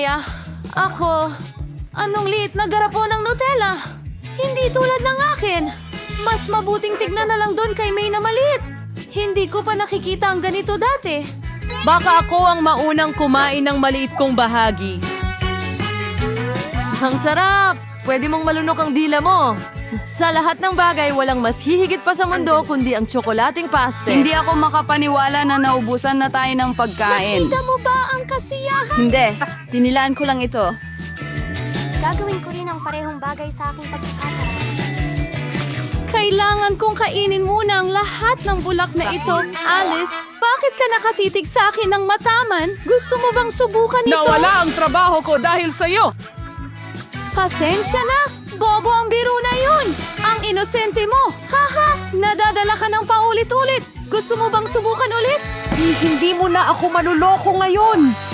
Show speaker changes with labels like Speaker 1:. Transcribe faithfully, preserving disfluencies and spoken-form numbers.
Speaker 1: Yeah, ako, anong liit na garapo ng Nutella? Hindi tulad ng akin. Mas mabuting tignan na lang doon kay May na maliit. Hindi ko pa nakikita ang ganito dati.
Speaker 2: Baka ako ang maunang kumain ng maliit kong bahagi.
Speaker 1: Ang sarap! Pwede mong malunok ang dila mo. Sa lahat ng bagay, walang mas hihigit pa sa mundo kundi ang tsokolating paste.
Speaker 3: Hindi ako makapaniwala na naubusan na tayo ng pagkain.
Speaker 4: Nakita mo ba ang kasiyahan?
Speaker 1: Hindi, tinilaan ko lang ito.
Speaker 4: Gagawin ko rin ang parehong bagay sa aking pagkakataon.
Speaker 1: Kailangan kong kainin muna ang lahat ng bulak na ito. Alice, bakit ka nakatitig sa akin ng mataman? Gusto mo bang subukan ito?
Speaker 2: Nawala ang trabaho ko dahil sa'yo!
Speaker 1: Pasensya na! Bobo ang biro na yun! Ang inosente mo! Haha! Nadadala ka ng paulit-ulit! Gusto mo bang subukan ulit?
Speaker 2: Eh, hindi mo na ako manuloko ngayon!